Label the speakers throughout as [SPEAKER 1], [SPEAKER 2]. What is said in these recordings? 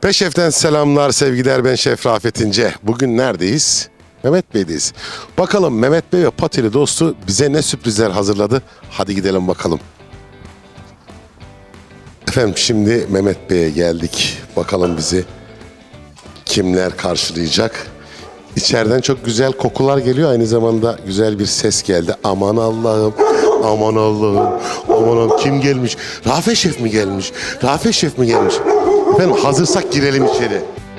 [SPEAKER 1] Peşef'ten selamlar, sevgiler. Ben Şef Rafet İnce. Bugün neredeyiz? Mehmet Bey'deyiz. Bakalım Mehmet Bey ve Patili dostu bize ne sürprizler hazırladı? Hadi gidelim bakalım. Efendim şimdi Mehmet Bey'e geldik. Bakalım bizi kimler karşılayacak? İçeriden çok güzel kokular geliyor. Aynı zamanda güzel bir ses geldi. Aman Allah'ım, aman Allah'ım, aman Allah'ım. Kim gelmiş? Rafet Şef mi gelmiş? Rafet Şef mi gelmiş? Efendim hazırsak girelim içeri.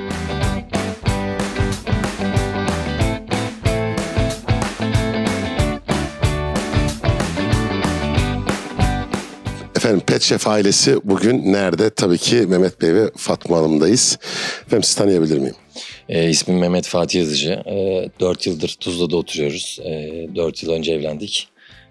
[SPEAKER 1] Efendim Pet Şef ailesi bugün nerede? Tabii ki Mehmet Bey ve Fatma Hanım'dayız. Efendim sizi tanıyabilir miyim?
[SPEAKER 2] İsmim Mehmet Fatih Yazıcı. 4 yıldır Tuzla'da oturuyoruz. 4 yıl önce evlendik.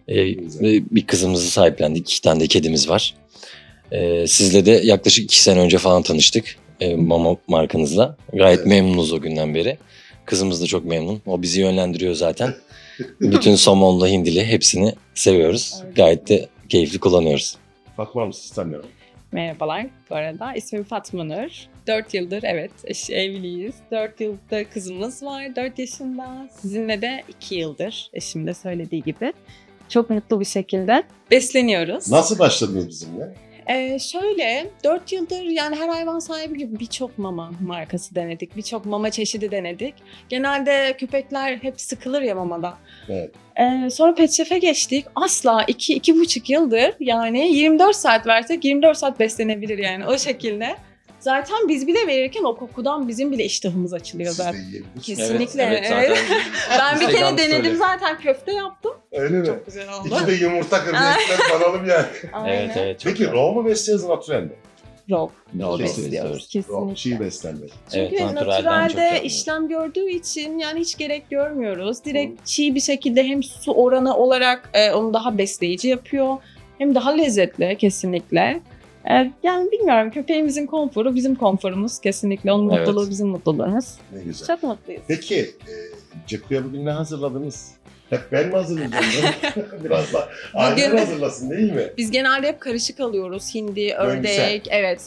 [SPEAKER 2] Bir kızımızı sahiplendik. 2 tane de kedimiz var. Sizle de yaklaşık 2 sene önce falan tanıştık. Mama markanızla. Gayet
[SPEAKER 1] Evet.
[SPEAKER 2] memnunuz o günden beri. Kızımız da çok memnun. O bizi yönlendiriyor zaten. Bütün somonla hindili hepsini seviyoruz. Gayet de keyifli kullanıyoruz.
[SPEAKER 1] Fatma Hanım sizi tanıyorum.
[SPEAKER 3] Merhabalar bu arada. İsmim Fatma Nur. 4 yıldır evet evliyiz. 4 yılda kızımız var 4 yaşında. Sizinle de 2 yıldır eşim de söylediği gibi. Çok mutlu bir şekilde besleniyoruz.
[SPEAKER 1] Nasıl başladınız bizimle?
[SPEAKER 3] Şöyle 4 yıldır yani her hayvan sahibi gibi birçok mama markası denedik. Birçok mama çeşidi denedik. Genelde köpekler hep sıkılır ya mamada.
[SPEAKER 1] Evet.
[SPEAKER 3] Sonra Pet Shop'e geçtik. Asla 2-2,5 yıldır yani 24 saat versek 24 saat beslenebilir yani o şekilde. Zaten biz bile verirken o kokudan bizim bile iştahımız açılıyor zaten. Kesinlikle.
[SPEAKER 2] Evet,
[SPEAKER 3] Evet. Ben bir kere
[SPEAKER 2] Instagram
[SPEAKER 3] denedim
[SPEAKER 2] story.
[SPEAKER 3] zaten köfte yaptım.
[SPEAKER 1] Öyle mi?
[SPEAKER 3] Çok güzel oldu.
[SPEAKER 1] İki de yumurta kırdı, ekmek banalım yani.
[SPEAKER 3] Aynen.
[SPEAKER 2] Evet, çok
[SPEAKER 1] Peki
[SPEAKER 2] güzel.
[SPEAKER 1] raw mu besliyoruz, natural mi?
[SPEAKER 3] Raw
[SPEAKER 2] Raw
[SPEAKER 3] besliyoruz.
[SPEAKER 2] besliyoruz.
[SPEAKER 3] Kesinlikle.
[SPEAKER 1] Çiğ beslenme.
[SPEAKER 2] Evet,
[SPEAKER 3] Çünkü
[SPEAKER 2] naturalden çok
[SPEAKER 3] naturalde
[SPEAKER 2] yapmıyoruz.
[SPEAKER 3] işlem gördüğü için yani hiç gerek görmüyoruz. Direkt çiğ bir şekilde hem su oranı olarak onu daha besleyici yapıyor. Hem daha lezzetli kesinlikle. Yani bilmiyorum köpeğimizin konforu bizim konforumuz kesinlikle. Onun
[SPEAKER 2] Evet.
[SPEAKER 3] mutluluğu bizim mutluluğumuz.
[SPEAKER 1] Ne güzel.
[SPEAKER 3] Çok mutluyuz.
[SPEAKER 1] Peki Ceku'ya bugün ne hazırladınız? Hep ben mi hazırlayacağım? Biraz da ailen
[SPEAKER 3] Bugün-
[SPEAKER 1] hazırlasın değil mi?
[SPEAKER 3] Biz genelde hep karışık alıyoruz. Hindi,
[SPEAKER 1] Döngüsel.
[SPEAKER 3] ördek, evet,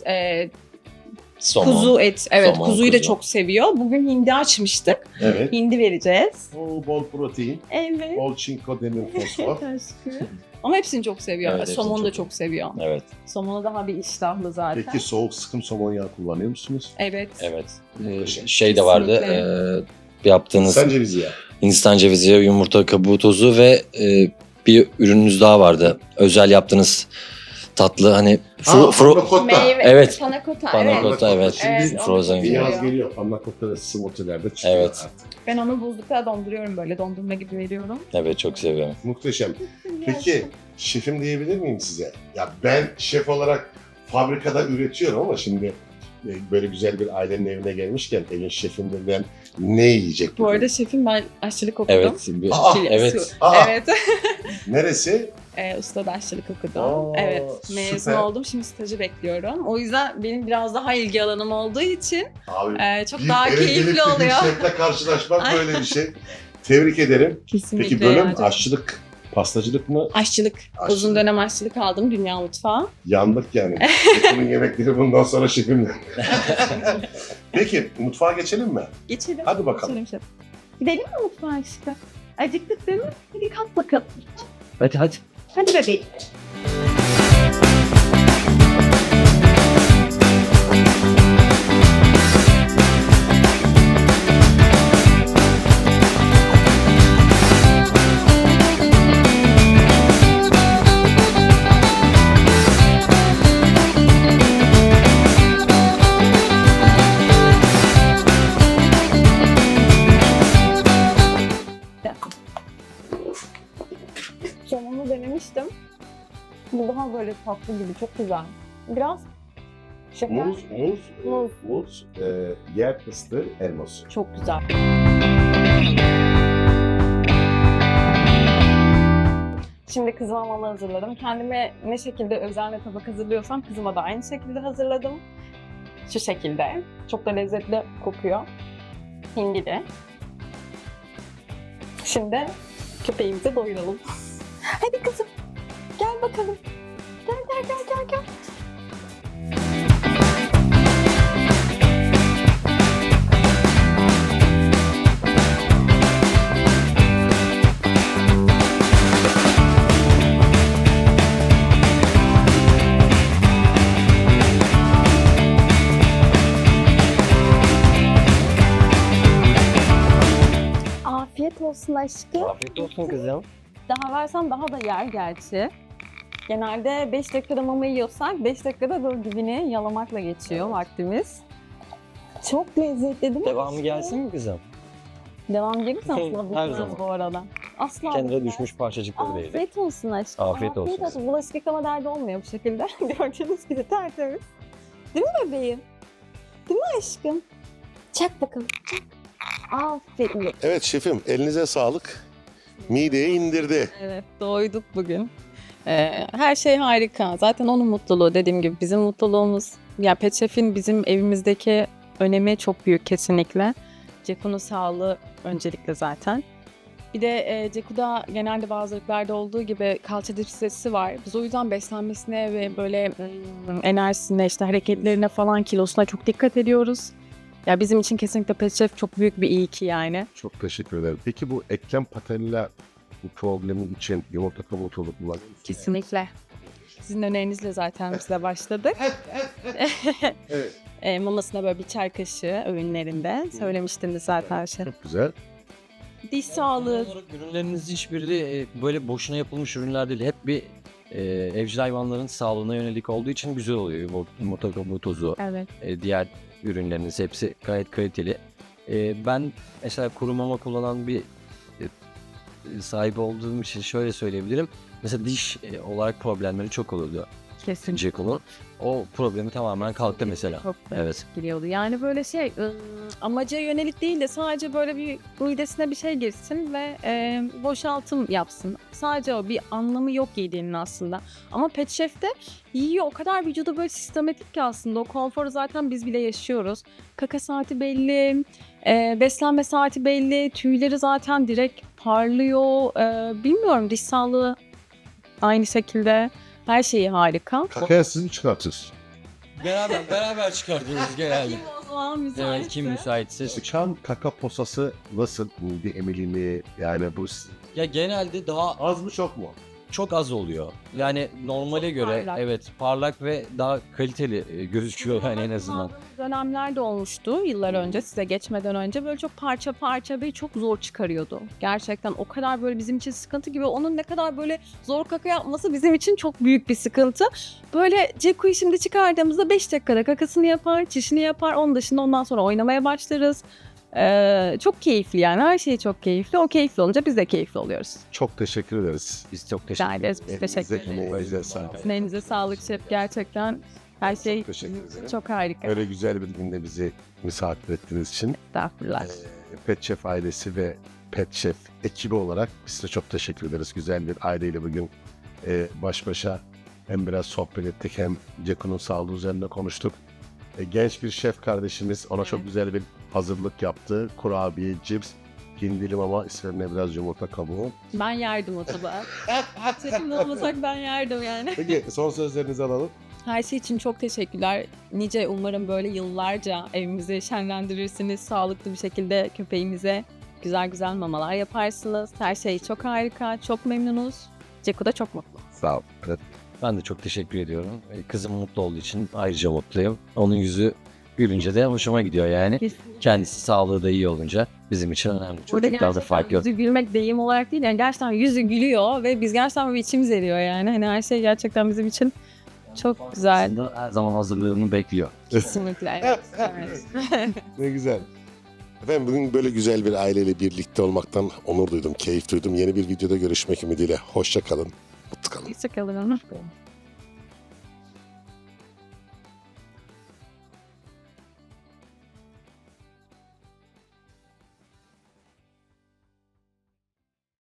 [SPEAKER 2] Somon.
[SPEAKER 3] kuzu et. Evet,
[SPEAKER 2] Somon,
[SPEAKER 3] kuzuyu da
[SPEAKER 2] kuzu.
[SPEAKER 3] çok seviyor. Bugün hindi açmıştık.
[SPEAKER 1] Evet.
[SPEAKER 3] Hindi vereceğiz.
[SPEAKER 1] Bol protein,
[SPEAKER 3] Evet.
[SPEAKER 1] bol çinko, demir, fosfor.
[SPEAKER 3] Aşkım. Ama hepsini çok seviyor.
[SPEAKER 2] Evet, hepsini
[SPEAKER 3] Somonu da
[SPEAKER 2] çok
[SPEAKER 3] çok seviyor.
[SPEAKER 2] Evet,
[SPEAKER 3] Somonu daha bir iştahlı zaten.
[SPEAKER 1] Peki soğuk sıkım somon yağı kullanıyor musunuz?
[SPEAKER 3] Evet.
[SPEAKER 2] evet.
[SPEAKER 1] Muhteşem.
[SPEAKER 2] Şey de vardı. Yaptığınız
[SPEAKER 1] Sen cevizi yağı.
[SPEAKER 2] Hindistan cevizi, yumurta kabuğu tozu ve bir ürününüz daha vardı. Özel yaptığınız tatlı hani
[SPEAKER 1] Pannacotta.
[SPEAKER 3] Meyve,
[SPEAKER 2] Evet.
[SPEAKER 3] Panakota,
[SPEAKER 2] Panna
[SPEAKER 3] evet.
[SPEAKER 2] cotta, evet.
[SPEAKER 1] Şimdi
[SPEAKER 3] Evet,
[SPEAKER 2] Frozen
[SPEAKER 3] onu
[SPEAKER 1] bir
[SPEAKER 2] gibi.
[SPEAKER 3] çok
[SPEAKER 1] yaz
[SPEAKER 3] seviyor.
[SPEAKER 1] geliyor. Pannacotta da smoothie'lerde çıkıyor
[SPEAKER 2] Evet.
[SPEAKER 1] artık.
[SPEAKER 3] Ben onu buzlukta donduruyorum böyle dondurma gibi veriyorum.
[SPEAKER 2] Evet, çok seviyorum.
[SPEAKER 1] Muhteşem. Peki şefim diyebilir miyim size? Ya ben şef olarak fabrikada üretiyorum ama şimdi böyle güzel bir ailenin evine gelmişken evin şefinden ne yiyecek
[SPEAKER 3] Bu
[SPEAKER 1] bugün?
[SPEAKER 3] arada şefim ben aşçılık okudum.
[SPEAKER 2] Evet.
[SPEAKER 1] Aa,
[SPEAKER 2] Evet.
[SPEAKER 3] Evet.
[SPEAKER 1] Neresi?
[SPEAKER 3] Ustada aşçılık okudum.
[SPEAKER 1] Aa,
[SPEAKER 3] Evet. Mezun
[SPEAKER 1] süper.
[SPEAKER 3] oldum. Şimdi stajı bekliyorum. O yüzden benim biraz daha ilgi alanım olduğu için
[SPEAKER 1] Abi
[SPEAKER 3] çok
[SPEAKER 1] bir
[SPEAKER 3] daha
[SPEAKER 1] eve gelip
[SPEAKER 3] keyifli
[SPEAKER 1] de bir
[SPEAKER 3] oluyor.
[SPEAKER 1] şefle karşılaşmak böyle bir şey. Tebrik ederim.
[SPEAKER 3] Kesinlikle.
[SPEAKER 1] Peki bölüm
[SPEAKER 3] yani.
[SPEAKER 1] aşçılık, pastacılık mı?
[SPEAKER 3] Aşçılık.
[SPEAKER 1] Aşçılık.
[SPEAKER 3] Uzun dönem aşçılık aldım Dünya Mutfağı.
[SPEAKER 1] Yandık yani. Şefin yemekleri bundan sonra şefimle. Peki mutfağa geçelim mi?
[SPEAKER 3] Geçelim.
[SPEAKER 1] Hadi bakalım.
[SPEAKER 3] Geçelim şef. Gidelim mi mutfağa aşkım? Acıktık değil mi? Hadi kalk bakalım.
[SPEAKER 2] Hadi.
[SPEAKER 3] Hadi bebeğim. Somonu denemiştim. Bu daha böyle tatlı gibi, çok güzel. Biraz şeker.
[SPEAKER 1] Muz, yer fıstığı, elması.
[SPEAKER 3] Çok güzel. Şimdi kızıma mama hazırladım. Kendime ne şekilde özenle tabak hazırlıyorsam kızıma da aynı şekilde hazırladım. Şu şekilde. Çok da lezzetli kokuyor. Hindili. Şimdi köpeğimizi doyuralım. Hadi kızım. Gel bakalım. Gel. olsun aşkım.
[SPEAKER 2] Afiyet olsun kızım.
[SPEAKER 3] Daha versem daha da yer gerçi. Genelde 5 dakikada mama yiyorsak 5 dakikada böyle dibini yalamakla geçiyor vaktimiz. Çok lezzetli değil mi?
[SPEAKER 2] Devamı gelsin mi kızım?
[SPEAKER 3] Devam gelirse asla
[SPEAKER 2] Her
[SPEAKER 3] bitmez
[SPEAKER 2] zaman.
[SPEAKER 3] bu arada. Asla
[SPEAKER 2] Kendine
[SPEAKER 3] bitmez.
[SPEAKER 2] düşmüş parçacıkları değil.
[SPEAKER 3] Afiyet olsun aşkım.
[SPEAKER 2] Afiyet olsun.
[SPEAKER 3] Bulaşık yıkama derdi olmuyor bu şekilde. Gördüğünüz gibi tertemiz. Değil mi bebeğim? Değil mi aşkım? Çak bakalım. Çak. Aferin.
[SPEAKER 1] Evet şefim, elinize sağlık. Mideye indirdi.
[SPEAKER 3] Evet, doyduk bugün. Her şey harika. Zaten onun mutluluğu dediğim gibi bizim mutluluğumuz. Ya Pet Chef'in bizim evimizdeki önemi çok büyük kesinlikle. Ceku'nun sağlığı öncelikle zaten. Bir de Ceku'da genelde bazı ırklarda olduğu gibi kalça deficitsi var. Biz o yüzden beslenmesine ve böyle enerjisine, işte hareketlerine falan, kilosuna çok dikkat ediyoruz. Ya bizim için kesinlikle Pet Chef çok büyük bir iyi ki yani.
[SPEAKER 4] Çok teşekkür ederim. Peki bu eklem patella bu problemin için yumurta kabuğu kullanıyor musunuz?
[SPEAKER 3] Kesinlikle. Sizin önerinizle zaten biz de başladık.
[SPEAKER 4] Evet.
[SPEAKER 3] Mamasına böyle bir çay kaşığı öğünlerinde. Söylemiştiniz zaten şey.
[SPEAKER 4] Çok güzel.
[SPEAKER 3] Diş sağlığı.
[SPEAKER 2] Olarak ürünlerinizin hiçbiri de böyle boşuna yapılmış ürünler değil. Hep bir evcil hayvanların sağlığına yönelik olduğu için güzel oluyor. Yumurta kabuğu tozu,
[SPEAKER 3] Evet.
[SPEAKER 2] diğer ürünleriniz hepsi gayet kaliteli. Ben mesela kuru mama kullanan bir sahibi olduğum için şöyle söyleyebilirim. Mesela diş olarak problemleri çok oluyordu
[SPEAKER 3] Kesinlikle.
[SPEAKER 2] Ceko'nun. O problemi tamamen kalktı mesela.
[SPEAKER 3] Çok
[SPEAKER 2] Evet.
[SPEAKER 3] giriyordu. Yani böyle şey amaca yönelik değil de sadece böyle bir midesine bir şey girsin ve boşaltım yapsın. Sadece o, bir anlamı yok yediğinin aslında. Ama Pet Chef'te yiyor, o kadar vücuda böyle sistematik ki aslında o konforu zaten biz bile yaşıyoruz. Kaka saati belli, beslenme saati belli, tüyleri zaten direkt parlıyor. Bilmiyorum, diş sağlığı aynı şekilde, her şeyi harika.
[SPEAKER 4] Kakaya siz mi çıkartıyorsunuz?
[SPEAKER 2] Beraber çıkartıyoruz genelde.
[SPEAKER 3] Kim o zaman müsaitse?
[SPEAKER 2] Evet, kim müsaitse.
[SPEAKER 4] Sıçan kaka posası nasıl? Bir emilimi yani bu
[SPEAKER 2] Ya genelde daha
[SPEAKER 4] az mı çok mu?
[SPEAKER 2] çok az oluyor. Yani normale
[SPEAKER 3] Çok
[SPEAKER 2] göre
[SPEAKER 3] parlak.
[SPEAKER 2] evet parlak ve daha kaliteli gözüküyor yani en azından.
[SPEAKER 3] Dönemler de olmuştu yıllar önce, size geçmeden önce böyle çok parça parça ve çok zor çıkarıyordu. Gerçekten o kadar böyle bizim için sıkıntı gibi, onun ne kadar böyle zor kaka yapması bizim için çok büyük bir sıkıntı. Böyle Ceku'yu şimdi çıkardığımızda 5 dakikada kakasını yapar, çişini yapar, onun dışında ondan sonra oynamaya başlarız. Çok keyifli yani, her şey çok keyifli. O keyifli olunca biz de keyifli oluyoruz.
[SPEAKER 4] Çok teşekkür ederiz.
[SPEAKER 2] Biz çok
[SPEAKER 3] Rica
[SPEAKER 2] teşekkür
[SPEAKER 3] ederiz, biz teşekkür ederiz.
[SPEAKER 4] Elinize sağlık.
[SPEAKER 3] Sizin elinize sağlık şef, gerçekten her şey
[SPEAKER 4] Teşekkür ederim.
[SPEAKER 3] çok harika.
[SPEAKER 4] Öyle güzel bir günde bizi misafir ettiğiniz için
[SPEAKER 3] Estağfurullah.
[SPEAKER 4] Pet Chef ailesi ve Pet Chef ekibi olarak biz size çok teşekkür ederiz. Güzel bir aileyle bugün baş başa hem biraz sohbet ettik hem Ceku'nun sağlığı üzerine konuştuk. Genç bir şef kardeşimiz ona çok güzel bir hazırlık yaptı. Kurabiye, cips, hindi mama, üzerine biraz yumurta kabuğu.
[SPEAKER 3] Ben yerdim o tabağı. Şefimle olmasak ben yerdim yani.
[SPEAKER 4] Peki son sözlerinizi alalım.
[SPEAKER 3] Her şey için çok teşekkürler. Nice, umarım böyle yıllarca evimizi şenlendirirsiniz. Sağlıklı bir şekilde köpeğimize güzel güzel mamalar yaparsınız. Her şey çok harika, çok memnunuz. Ceku da çok mutlu.
[SPEAKER 4] Sağ ol. Evet.
[SPEAKER 2] Ben de çok teşekkür ediyorum. Kızım mutlu olduğu için ayrıca mutluyum. Onun yüzü gülünce de hoşuma gidiyor yani. Kendisi sağlığı da iyi olunca bizim için önemli. Çocuklar da fark yok.
[SPEAKER 3] Yüzü gülmek deyim olarak değil, yani gerçekten yüzü gülüyor ve biz gerçekten bir içimiz eriyor yani. Hani her şey gerçekten bizim için çok güzel.
[SPEAKER 2] Aslında her zaman hazırlığını bekliyor.
[SPEAKER 3] Kesinlikle. Evet. Evet.
[SPEAKER 1] Ne güzel. Efendim bugün böyle güzel bir aileyle birlikte olmaktan onur duydum, keyif duydum. Yeni bir videoda görüşmek ümidiyle. Hoşça kalın, mutlu kalın.
[SPEAKER 3] Hoşçakalın.